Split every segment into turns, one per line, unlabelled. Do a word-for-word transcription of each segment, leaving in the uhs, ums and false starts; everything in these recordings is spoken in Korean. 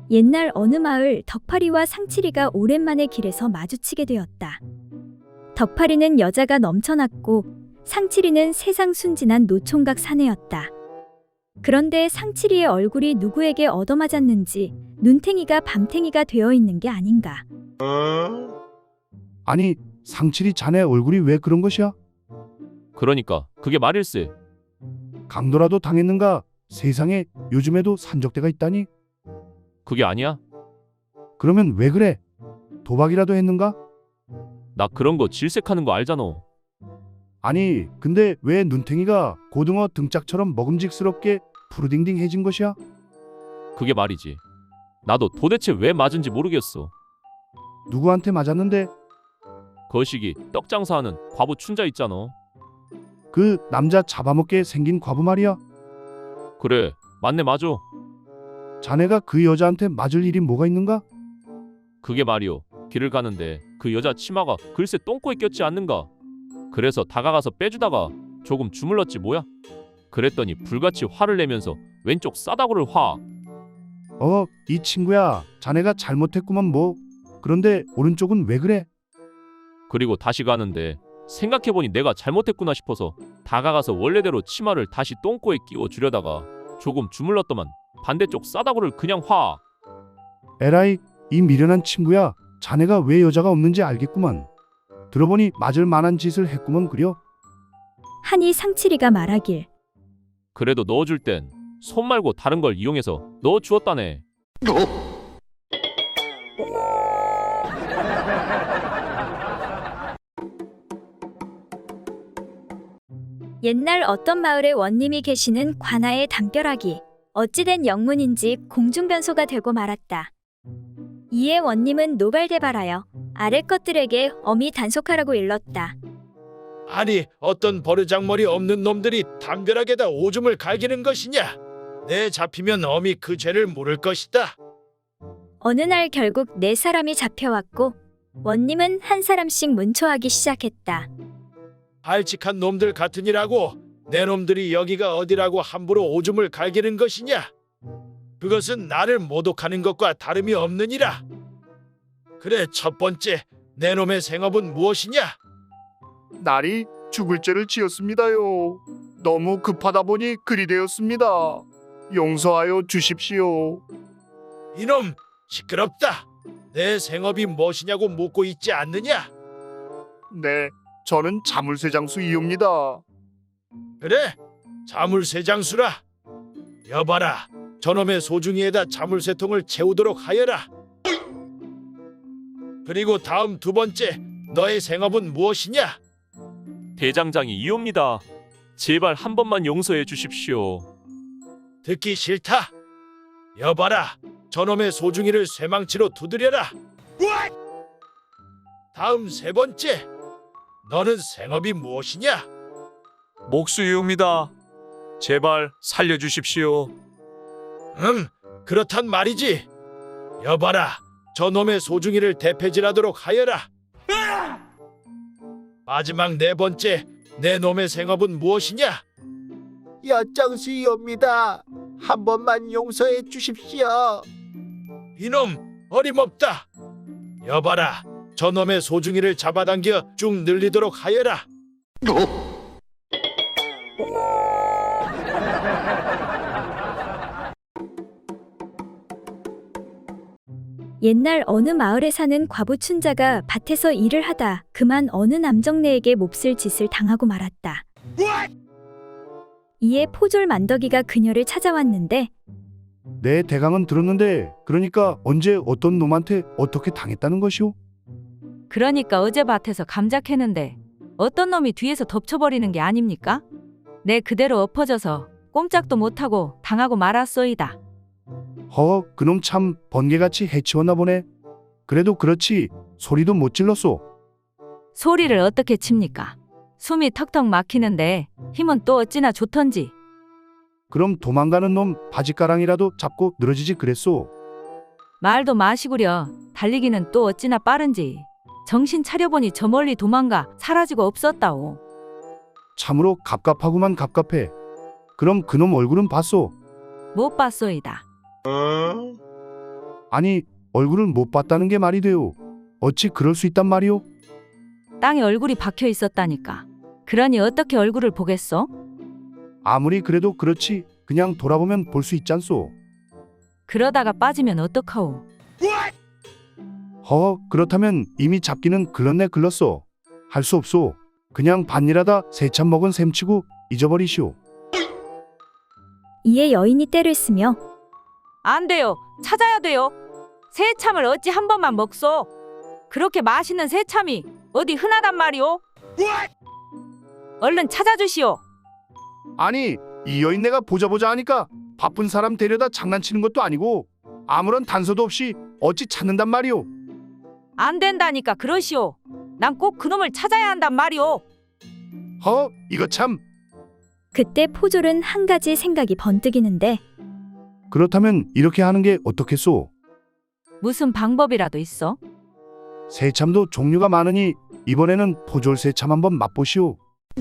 옛날 어느 마을 덕파리와 상칠이가 오랜만에 길에서 마주치게 되었다. 덕파리는 여자가 넘쳐났고 상칠이는 세상 순진한 노총각 사내였다. 그런데 상칠이의 얼굴이 누구에게 얻어맞았는지 눈탱이가 밤탱이가 되어 있는 게 아닌가.
아니, 상칠이 자네 얼굴이 왜 그런 것이야?
그러니까 그게 말일세.
강도라도 당했는가? 세상에 요즘에도 산적대가 있다니?
그게 아니야?
그러면 왜 그래? 도박이라도 했는가?
나 그런 거 질색하는 거 알잖아.
아니, 근데 왜 눈탱이가 고등어 등짝처럼 먹음직스럽게 푸르딩딩해진 것이야?
그게 말이지. 나도 도대체 왜 맞은지 모르겠어.
누구한테 맞았는데?
거시기 떡 장사하는 과부 춘자 있잖아.
그 남자 잡아먹게 생긴 과부 말이야?
그래, 맞네 맞아.
자네가 그 여자한테 맞을 일이 뭐가 있는가?
그게 말이오. 길을 가는데 그 여자 치마가 글쎄 똥꼬에 꼈지 않는가. 그래서 다가가서 빼주다가 조금 주물렀지 뭐야. 그랬더니 불같이 화를 내면서 왼쪽 싸다구를 화.
어, 이 친구야, 자네가 잘못했구만 뭐. 그런데 오른쪽은 왜 그래?
그리고 다시 가는데 생각해보니 내가 잘못했구나 싶어서 다가가서 원래대로 치마를 다시 똥꼬에 끼워 주려다가 조금 주물렀더만 반대쪽 싸다구를 그냥 화.
에라이, 이 미련한 친구야, 자네가 왜 여자가 없는지 알겠구만. 들어보니 맞을 만한 짓을 했구먼 그려.
하니 상칠이가 말하길.
그래도 넣어줄 땐 손 말고 다른 걸 이용해서 넣어주었다네.
옛날 어떤 마을에 원님이 계시는 관아의 담벼락이 어찌된 영문인지 공중변소가 되고 말았다. 이에 원님은 노발대발하여 아래 것들에게 엄히 단속하라고 일렀다.
아니 어떤 버르장머리 없는 놈들이 담벼락에다 오줌을 갈기는 것이냐? 내 잡히면 엄히 그 죄를 물을 것이다.
어느 날 결국 네 사람이 잡혀왔고 원님은 한 사람씩 문초하기 시작했다.
발칙한 놈들 같으니라고 내 놈들이 여기가 어디라고 함부로 오줌을 갈기는 것이냐? 그것은 나를 모독하는 것과 다름이 없느니라. 그래, 첫 번째 내 놈의 생업은 무엇이냐?
날이 죽을 죄를 지었습니다요. 너무 급하다 보니 그리 되었습니다. 용서하여 주십시오.
이놈 시끄럽다. 내 생업이 무엇이냐고 묻고 있지 않느냐?
네, 저는 자물쇠장수이옵니다.
그래, 자물쇠장수라. 여봐라, 저놈의 소중이에다 자물쇠통을 채우도록 하여라. 그리고 다음 두 번째, 너의 생업은 무엇이냐?
대장장이 이옵니다. 제발 한 번만 용서해 주십시오.
듣기 싫다. 여봐라, 저놈의 소중이를 쇠망치로 두드려라. 다음 세 번째, 너는 생업이 무엇이냐?
목수이옵니다. 제발 살려주십시오.
음, 그렇단 말이지. 여봐라, 저놈의 소중이를 대패질하도록 하여라. 마지막 네 번째, 내 놈의 생업은 무엇이냐?
엿장수이옵니다. 한 번만 용서해 주십시오.
이놈 어림없다. 여봐라, 저놈의 소중이를 잡아당겨 쭉 늘리도록 하여라.
옛날 어느 마을에 사는 과부 춘자가 밭에서 일을 하다 그만 어느 남정네에게 몹쓸 짓을 당하고 말았다. 이에 포졸 만덕이가 그녀를 찾아왔는데
내 대강은 들었는데 그러니까 언제 어떤 놈한테 어떻게 당했다는 것이오?
그러니까 어제 밭에서 감자 캐는데 어떤 놈이 뒤에서 덮쳐버리는 게 아닙니까? 내 그대로 엎어져서 꼼짝도 못하고 당하고 말았소이다.
허, 그놈 참 번개같이 해치웠나 보네. 그래도 그렇지 소리도 못 질렀소.
소리를 어떻게 칩니까? 숨이 턱턱 막히는데 힘은 또 어찌나 좋던지.
그럼 도망가는 놈 바지가랑이라도 잡고 늘어지지 그랬소.
말도 마시구려. 달리기는 또 어찌나 빠른지. 정신 차려보니 저 멀리 도망가 사라지고 없었다오.
참으로 갑갑하구만 갑갑해. 그럼 그놈 얼굴은 봤소?
못 봤소이다.
아니, 얼굴을 못 봤다는 게 말이 돼요. 어찌 그럴 수 있단 말이오?
땅에 얼굴이 박혀 있었다니까. 그러니 어떻게 얼굴을 보겠어?
아무리 그래도 그렇지. 그냥 돌아보면 볼 수 있잖소.
그러다가 빠지면 어떡하오?
허, 그렇다면 이미 잡기는 글렀네 글렀소. 할 수 없소. 그냥 반일하다 새참 먹은 셈치고 잊어버리시오.
이에 여인이 떼를 쓰며
안 돼요. 찾아야 돼요. 새참을 어찌 한 번만 먹소? 그렇게 맛있는 새참이 어디 흔하단 말이오? 얼른 찾아주시오.
아니, 이 여인 내가 보자 보자 하니까 바쁜 사람 데려다 장난치는 것도 아니고 아무런 단서도 없이 어찌 찾는단 말이오.
안 된다니까 그러시오. 난 꼭 그놈을 찾아야 한단 말이오.
허, 이거 참.
그때 포졸은 한 가지 생각이 번뜩이는데
그렇다면 이렇게 하는 게 어떻겠소?
무슨 방법이라도 있어?
새참도 종류가 많으니 이번에는 포졸 새참 한번 맛보시오.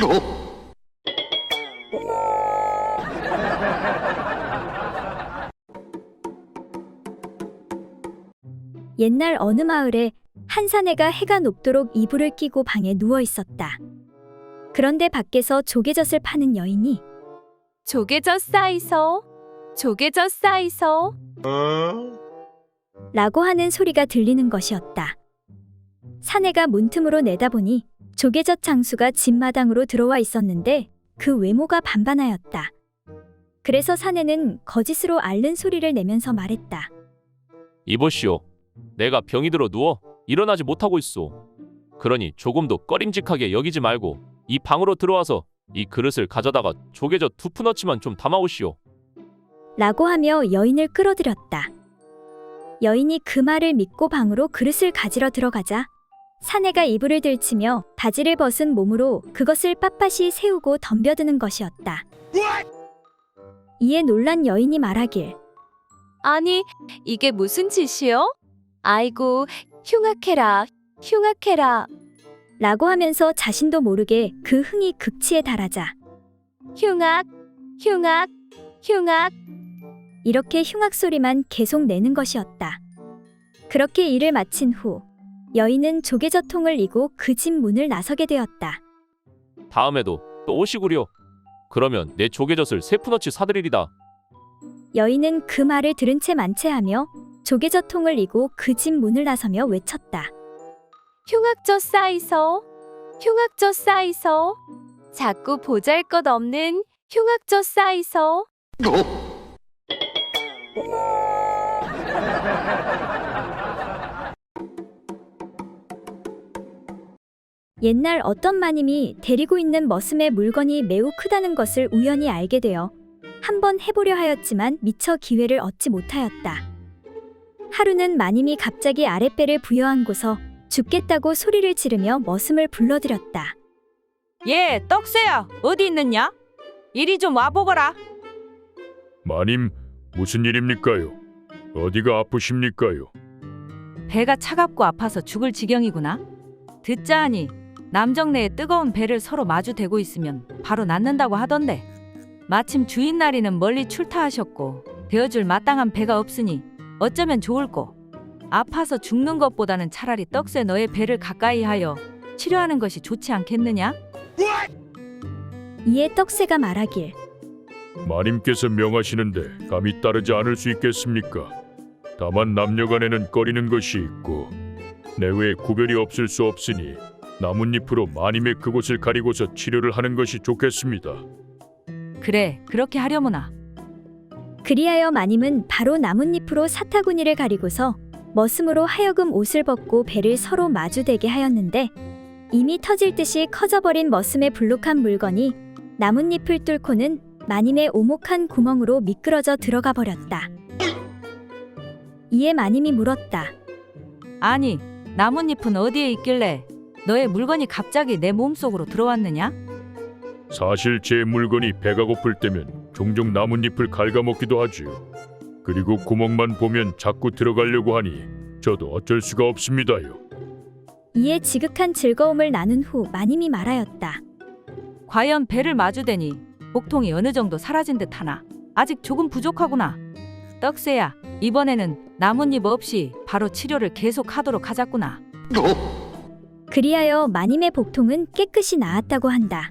옛날 어느 마을에 한 사내가 해가 높도록 이불을 끼고 방에 누워 있었다. 그런데 밖에서 조개젓을 파는 여인이
조개젓 싸이소. 조개젓 싸이소.
라고 하는 소리가 들리는 것이었다. 사내가 문틈으로 내다보니 조개젓 장수가 집마당으로 들어와 있었는데 그 외모가 반반하였다. 그래서 사내는 거짓으로 앓는 소리를 내면서 말했다.
이보시오. 내가 병이 들어 누워 일어나지 못하고 있소. 그러니 조금도 꺼림직하게 여기지 말고 이 방으로 들어와서 이 그릇을 가져다가 조개젓 두 푸너치만 좀 담아오시오.
라고 하며 여인을 끌어들였다. 여인이 그 말을 믿고 방으로 그릇을 가지러 들어가자 사내가 이불을 들치며 바지를 벗은 몸으로 그것을 빳빳이 세우고 덤벼드는 것이었다. 이에 놀란 여인이 말하길
아니, 이게 무슨 짓이요? 아이고, 흉악해라. 흉악해라.
라고 하면서 자신도 모르게 그 흥이 극치에 달하자
흉악. 흉악. 흉악.
이렇게 흉악 소리만 계속 내는 것이었다. 그렇게 일을 마친 후 여인은 조개젓통을 이고 그 집 문을 나서게 되었다.
다음에도 또 오시구려. 그러면 내 조개젓을 세 푸너치 사드리리다.
여인은 그 말을 들은 채 만체하며 조개젓통을 이고 그 집 문을 나서며 외쳤다.
흉악젓 싸이소. 흉악젓 싸이소. 자꾸 보잘것없는 흉악젓 싸이소.
옛날 어떤 마님이 데리고 있는 머슴의 물건이 매우 크다는 것을 우연히 알게 되어 한번 해보려 하였지만 미처 기회를 얻지 못하였다. 하루는 마님이 갑자기 아랫배를 부여안고서 죽겠다고 소리를 지르며 머슴을 불러들였다.
예, 떡새야. 어디 있느냐? 이리 좀 와보거라.
마님, 무슨 일입니까요? 어디가 아프십니까요?
배가 차갑고 아파서 죽을 지경이구나. 듣자 하니 남정네의 뜨거운 배를 서로 마주 대고 있으면 바로 낫는다고 하던데 마침 주인날이는 멀리 출타하셨고 대어줄 마땅한 배가 없으니 어쩌면 좋을꼬. 아파서 죽는 것보다는 차라리 떡새 너의 배를 가까이 하여 치료하는 것이 좋지 않겠느냐?
이에 떡새가 말하길
마님께서 명하시는데 감히 따르지 않을 수 있겠습니까? 다만 남녀간에는 꺼리는 것이 있고 내외에 구별이 없을 수 없으니 나뭇잎으로 마님의 그곳을 가리고서 치료를 하는 것이 좋겠습니다.
그래, 그렇게 하려무나.
그리하여 마님은 바로 나뭇잎으로 사타구니를 가리고서 머슴으로 하여금 옷을 벗고 배를 서로 마주대게 하였는데 이미 터질 듯이 커져버린 머슴의 불룩한 물건이 나뭇잎을 뚫고는 마님의 오목한 구멍으로 미끄러져 들어가 버렸다. 이에 마님이 물었다.
아니, 나뭇잎은 어디에 있길래 너의 물건이 갑자기 내 몸속으로 들어왔느냐?
사실 제 물건이 배가 고플 때면 종종 나뭇잎을 갉아먹기도 하지요. 그리고 구멍만 보면 자꾸 들어가려고 하니 저도 어쩔 수가 없습니다요.
이에 지극한 즐거움을 나눈 후 마님이 말하였다.
과연 배를 마주대니 복통이 어느 정도 사라진 듯하나 아직 조금 부족하구나. 떡새야, 이번에는 나뭇잎 없이 바로 치료를 계속하도록 하자꾸나.
그리하여 마님의 복통은 깨끗이 나았다고 한다.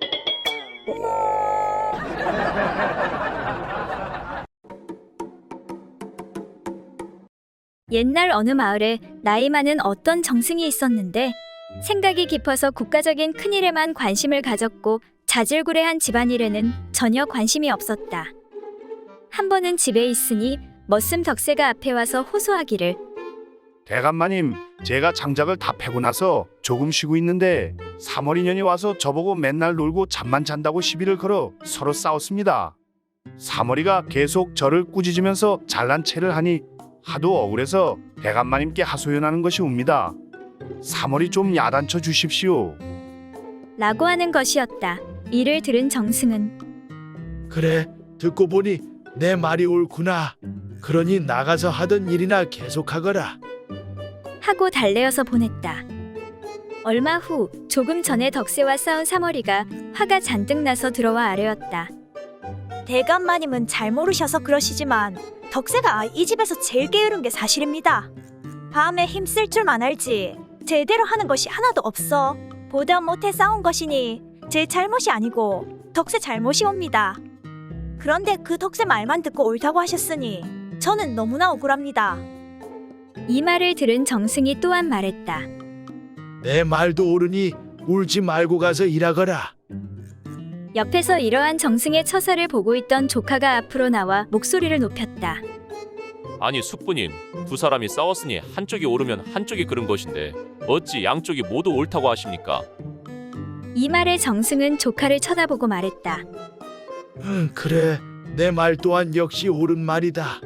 옛날 어느 마을에 나이 많은 어떤 정승이 있었는데 생각이 깊어서 국가적인 큰일에만 관심을 가졌고 자질구레한 집안일에는 전혀 관심이 없었다. 한 번은 집에 있으니 머슴 덕세가 앞에 와서 호소하기를
대감마님, 제가 장작을 다 패고 나서 조금 쉬고 있는데 사머리년이 와서 저보고 맨날 놀고 잠만 잔다고 시비를 걸어 서로 싸웠습니다. 사머리가 계속 저를 꾸짖으면서 잘난 체를 하니 하도 억울해서 대감마님께 하소연하는 것이 옵니다. 사머리 좀 야단쳐 주십시오.
라고 하는 것이었다. 이를 들은 정승은
그래, 듣고 보니 내 말이 옳구나. 그러니 나가서 하던 일이나 계속하거라.
하고 달래어서 보냈다. 얼마 후 조금 전에 덕세와 싸운 사머리가 화가 잔뜩 나서 들어와 아뢰었다.
대감마님은 잘 모르셔서 그러시지만 덕세가 이 집에서 제일 게으른 게 사실입니다. 밤에 힘쓸 줄만 알지 제대로 하는 것이 하나도 없어. 보다 못해 싸운 것이니 제 잘못이 아니고 덕세 잘못이옵니다. 그런데 그 덕세 말만 듣고 옳다고 하셨으니 저는 너무나 억울합니다.
이 말을 들은 정승이 또한 말했다.
내 말도 옳으니 울지 말고 가서 일하거라.
옆에서 이러한 정승의 처사를 보고 있던 조카가 앞으로 나와 목소리를 높였다.
아니 숙부님, 두 사람이 싸웠으니 한쪽이 옳으면 한쪽이 그른 것인데 어찌 양쪽이 모두 옳다고 하십니까?
이 말에 정승은 조카를 쳐다보고 말했다.
응, 그래, 내 말 또한 역시 옳은 말이다.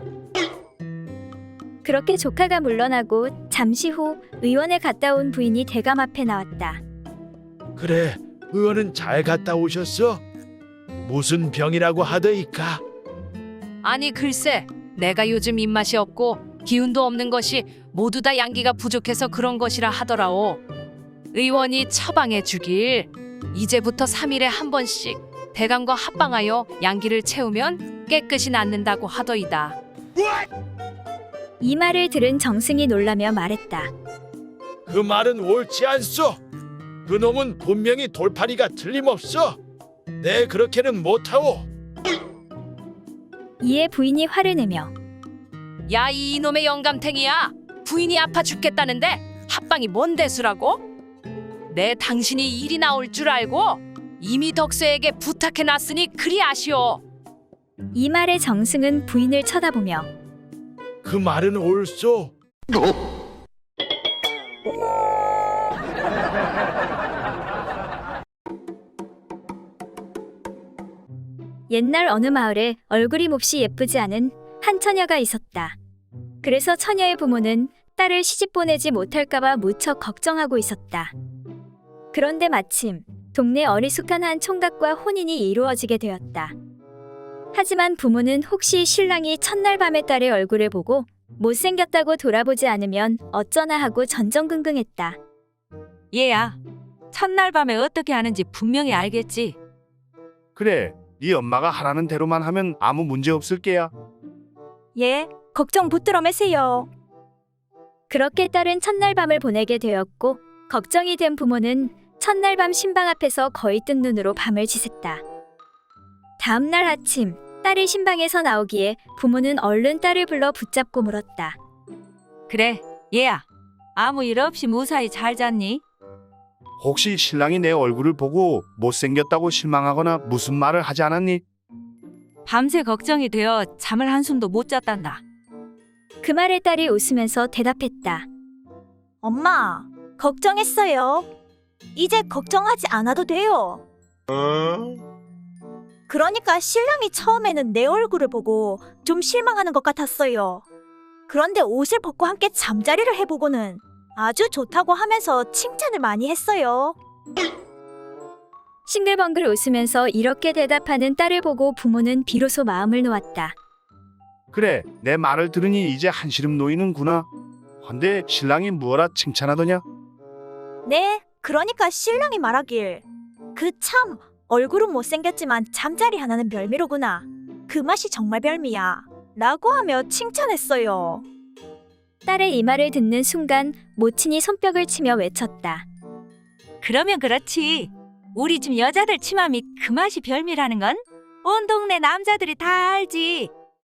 그렇게 조카가 물러나고 잠시 후 의원에 갔다 온 부인이 대감 앞에 나왔다.
그래, 의원은 잘 갔다 오셨어? 무슨 병이라고 하더이까?
아니 글쎄, 내가 요즘 입맛이 없고 기운도 없는 것이 모두 다 양기가 부족해서 그런 것이라 하더라오. 의원이 처방해 주길 이제부터 삼 일에 한 번씩 대감과 합방하여 양기를 채우면 깨끗이 낫는다고 하더이다.
이 말을 들은 정승이 놀라며 말했다.
그 말은 옳지 않소. 그 놈은 분명히 돌팔이가 틀림없어. 내 그렇게는 못하오.
이에 부인이 화를 내며
야, 이 이놈의 영감탱이야. 부인이 아파 죽겠다는데 합방이 뭔 대수라고? 내 당신이 일이 나올 줄 알고 이미 덕세에게 부탁해 놨으니 그리 아시오.
이 말에 정승은 부인을 쳐다보며
그 말은 옳소.
옛날 어느 마을에 얼굴이 몹시 예쁘지 않은 한 처녀가 있었다. 그래서 처녀의 부모는 딸을 시집 보내지 못할까봐 무척 걱정하고 있었다. 그런데 마침 동네 어리숙한 한 총각과 혼인이 이루어지게 되었다. 하지만 부모는 혹시 신랑이 첫날 밤에 딸의 얼굴을 보고 못생겼다고 돌아보지 않으면 어쩌나 하고 전전긍긍했다.
얘야, 첫날 밤에 어떻게 하는지 분명히 알겠지?
그래, 네 엄마가 하라는 대로만 하면 아무 문제 없을 게야.
예, 걱정 붙들어 매세요.
그렇게 딸은 첫날 밤을 보내게 되었고 걱정이 된 부모는 첫날 밤 신방 앞에서 거의 뜬 눈으로 밤을 지샜다. 다음 날 아침 딸이 신방에서 나오기에 부모는 얼른 딸을 불러 붙잡고 물었다.
그래, 얘야, 아무 일 없이 무사히 잘 잤니?
혹시 신랑이 내 얼굴을 보고 못생겼다고 실망하거나 무슨 말을 하지 않았니?
밤새 걱정이 되어 잠을 한숨도 못 잤단다.
그 말에 딸이 웃으면서 대답했다.
엄마, 걱정했어요. 이제 걱정하지 않아도 돼요. 그러니까 신랑이 처음에는 내 얼굴을 보고 좀 실망하는 것 같았어요. 그런데 옷을 벗고 함께 잠자리를 해보고는 아주 좋다고 하면서 칭찬을 많이 했어요.
싱글벙글 웃으면서 이렇게 대답하는 딸을 보고 부모는 비로소 마음을 놓았다.
그래, 내 말을 들으니 이제 한시름 놓이는구나. 헌데 신랑이 무어라 칭찬하더냐?
네, 그러니까 신랑이 말하길 그 참 얼굴은 못생겼지만 잠자리 하나는 별미로구나. 그 맛이 정말 별미야. 라고 하며 칭찬했어요.
딸의 이 말을 듣는 순간 모친이 손뼉을 치며 외쳤다.
그러면 그렇지. 우리 집 여자들 치마미 그 맛이 별미라는 건 온 동네 남자들이 다 알지.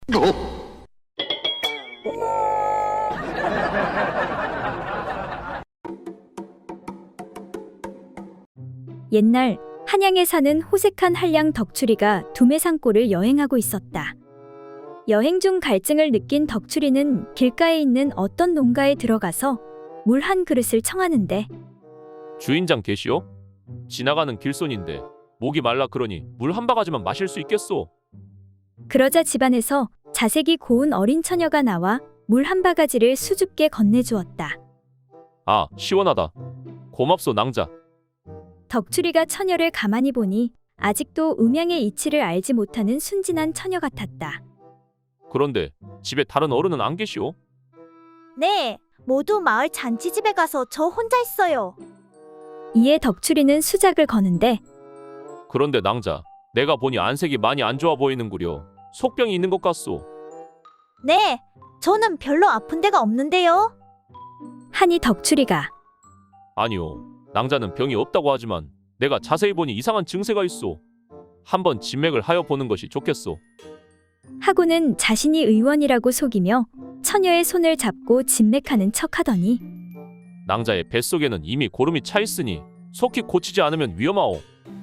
옛날 한양에 사는 호색한 한량 덕출이가 두매산골을 여행하고 있었다. 여행 중 갈증을 느낀 덕출이는 길가에 있는 어떤 농가에 들어가서 물 한 그릇을 청하는데
주인장 계시오? 지나가는 길손인데 목이 말라 그러니 물 한 바가지만 마실 수 있겠소?
그러자 집안에서 자색이 고운 어린 처녀가 나와 물 한 바가지를 수줍게 건네주었다.
아, 시원하다. 고맙소 낭자.
덕출이가 처녀를 가만히 보니 아직도 음양의 이치를 알지 못하는 순진한 처녀 같았다.
그런데 집에 다른 어른은 안 계시오?
네, 모두 마을 잔치집에 가서 저 혼자 있어요.
이에 덕출이는 수작을 거는데
그런데 낭자, 내가 보니 안색이 많이 안 좋아 보이는구려. 속병이 있는 것 같소.
네, 저는 별로 아픈 데가 없는데요.
하니 덕출이가
아니요, 낭자는 병이 없다고 하지만 내가 자세히 보니 이상한 증세가 있소. 한번 진맥을 하여 보는 것이 좋겠소.
하고는 자신이 의원이라고 속이며 처녀의 손을 잡고 진맥하는 척하더니
낭자의 뱃속에는 이미 고름이 차 있으니 속히 고치지 않으면 위험하오.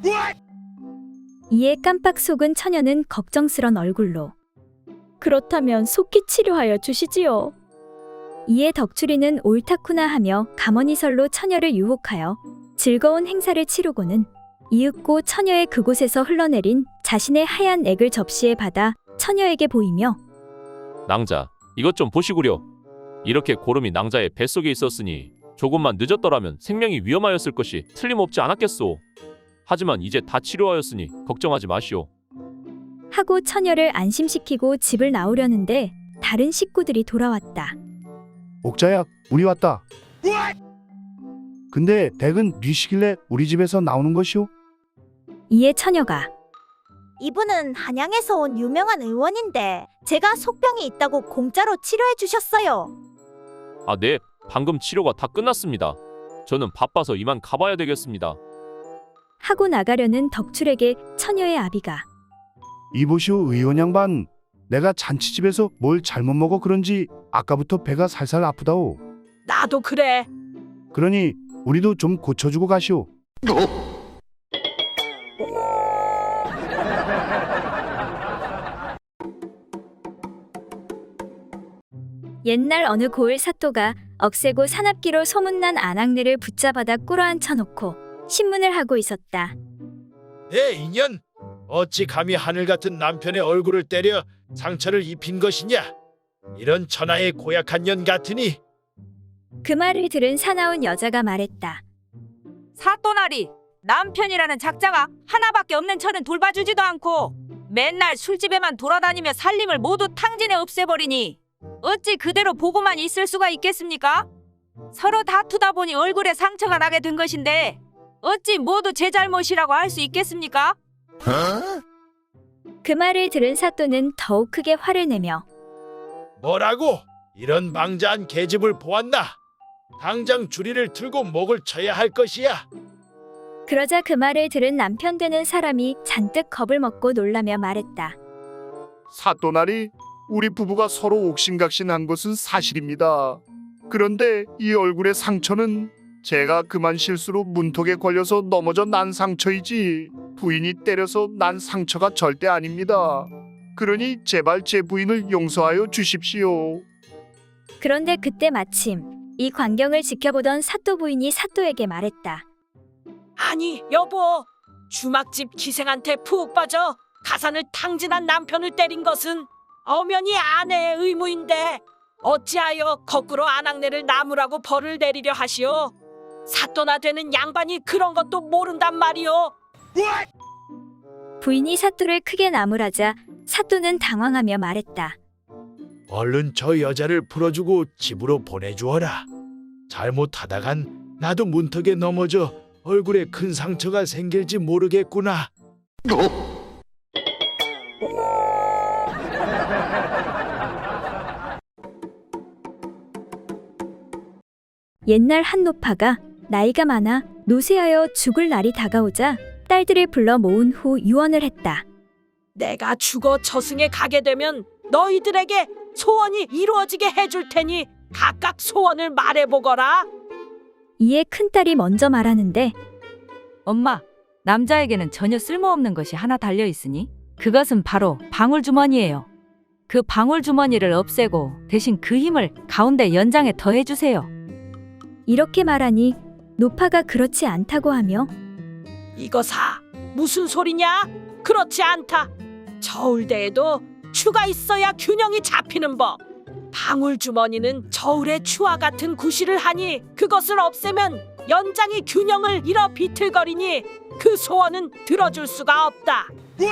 이에 깜빡 속은 처녀는 걱정스런 얼굴로 그렇다면 속히 치료하여 주시지요. 이에 덕출이는 옳다쿠나 하며 가머니설로 처녀를 유혹하여 즐거운 행사를 치르고는 이윽고 처녀의 그곳에서 흘러내린 자신의 하얀 액을 접시에 받아 처녀에게 보이며
낭자, 이것 좀 보시구려. 이렇게 고름이 낭자의 뱃속에 있었으니 조금만 늦었더라면 생명이 위험하였을 것이 틀림없지 않았겠소. 하지만 이제 다 치료하였으니 걱정하지 마시오.
하고 처녀를 안심시키고 집을 나오려는데 다른 식구들이 돌아왔다.
옥자야, 우리 왔다. 근데 댁은 뉘시길래 우리 집에서 나오는 것이오?
이에 처녀가
이분은 한양에서 온 유명한 의원인데 제가 속병이 있다고 공짜로 치료해 주셨어요.
아, 네. 방금 치료가 다 끝났습니다. 저는 바빠서 이만 가봐야 되겠습니다.
하고 나가려는 덕출에게 처녀의 아비가
이보시오 의원 양반, 내가 잔치집에서 뭘 잘못 먹어 그런지 아까부터 배가 살살 아프다오.
나도 그래.
그러니 우리도 좀 고쳐주고 가시오.
옛날 어느 고을 사또가 억세고 사납기로 소문난 아낙네를 붙잡아다 꿇어앉혀 놓고 신문을 하고 있었다.
내 인연, 어찌 감히 하늘 같은 남편의 얼굴을 때려 상처를 입힌 것이냐? 이런 천하의 고약한 년 같으니.
그 말을 들은 사나운 여자가 말했다.
사또나리, 남편이라는 작자가 하나밖에 없는 처는 돌봐주지도 않고 맨날 술집에만 돌아다니며 살림을 모두 탕진해 없애버리니 어찌 그대로 보고만 있을 수가 있겠습니까? 서로 다투다 보니 얼굴에 상처가 나게 된 것인데 어찌 모두 제 잘못이라고 할 수 있겠습니까?
그 말을 들은 사또는 더욱 크게 화를 내며
뭐라고? 이런 망자한 계집을 보았나? 당장 주리를 틀고 목을 쳐야 할 것이야.
그러자 그 말을 들은 남편 되는 사람이 잔뜩 겁을 먹고 놀라며 말했다.
사또나리, 우리 부부가 서로 옥신각신한 것은 사실입니다. 그런데 이 얼굴의 상처는 제가 그만 실수로 문턱에 걸려서 넘어져 난 상처이지 부인이 때려서 난 상처가 절대 아닙니다. 그러니 제발 제 부인을 용서하여 주십시오.
그런데 그때 마침 이 광경을 지켜보던 사또 부인이 사또에게 말했다.
아니 여보, 주막집 기생한테 푹 빠져 가산을 탕진한 남편을 때린 것은 엄연히 아내의 의무인데 어찌하여 거꾸로 아낙네를 나무라고 벌을 내리려 하시오? 사또나 되는 양반이 그런 것도 모른단 말이오.
부인이 사또를 크게 나무라자 사또는 당황하며 말했다.
얼른 저 여자를 풀어주고 집으로 보내주어라. 잘못하다간 나도 문턱에 넘어져 얼굴에 큰 상처가 생길지 모르겠구나.
옛날 한 노파가 나이가 많아 노쇠하여 죽을 날이 다가오자 딸들을 불러 모은 후 유언을 했다.
내가 죽어 저승에 가게 되면 너희들에게 소원이 이루어지게 해줄 테니 각각 소원을 말해보거라.
이에 큰딸이 먼저 말하는데
엄마, 남자에게는 전혀 쓸모없는 것이 하나 달려 있으니 그것은 바로 방울주머니예요. 그 방울주머니를 없애고 대신 그 힘을 가운데 연장에 더해주세요.
이렇게 말하니 노파가 그렇지 않다고 하며
이거사 무슨 소리냐? 그렇지 않다. 저울대에도 추가 있어야 균형이 잡히는 법. 방울주머니는 저울의 추와 같은 구실을 하니 그것을 없애면 연장이 균형을 잃어 비틀거리니 그 소원은 들어줄 수가 없다.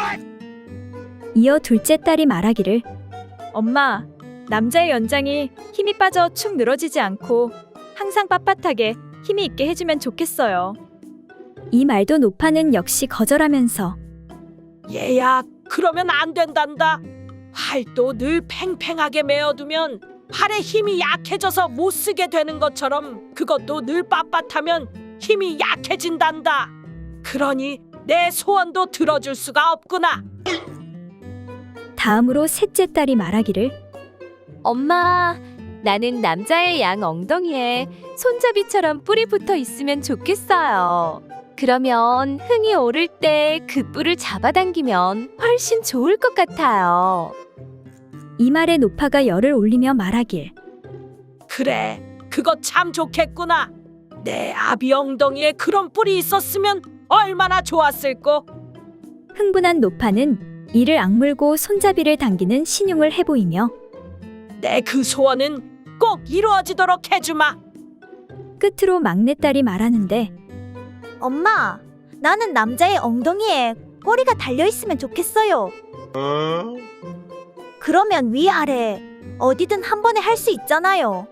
이어 둘째 딸이 말하기를
엄마, 남자의 연장이 힘이 빠져 축 늘어지지 않고 항상 빳빳하게 힘이 있게 해주면 좋겠어요.
이 말도 노파는 역시 거절하면서
얘야, 그러면 안 된단다. 활도 늘 팽팽하게 메어두면 팔의 힘이 약해져서 못 쓰게 되는 것처럼 그것도 늘 빳빳하면 힘이 약해진단다. 그러니 내 소원도 들어줄 수가 없구나.
다음으로 셋째 딸이 말하기를
엄마, 나는 남자의 양 엉덩이에 손잡이처럼 뿔이 붙어 있으면 좋겠어요. 그러면 흥이 오를 때 그 뿔을 잡아당기면 훨씬 좋을 것 같아요.
이 말에 노파가 열을 올리며 말하길
그래, 그거 참 좋겠구나. 내 아비 엉덩이에 그런 뿔이 있었으면 얼마나 좋았을꼬.
흥분한 노파는 이를 악물고 손잡이를 당기는 신용을 해보이며
내 그 소원은 꼭 이루어지도록 해주마.
끝으로 막내딸이 말하는데
엄마, 나는 남자의 엉덩이에 꼬리가 달려있으면 좋겠어요. 그러면 위아래 어디든 한 번에 할 수 있잖아요.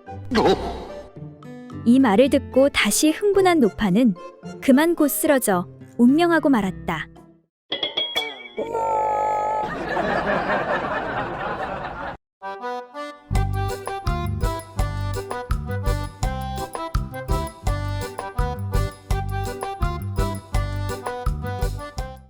이 말을 듣고 다시 흥분한 노파는 그만 곧 쓰러져 운명하고 말았다.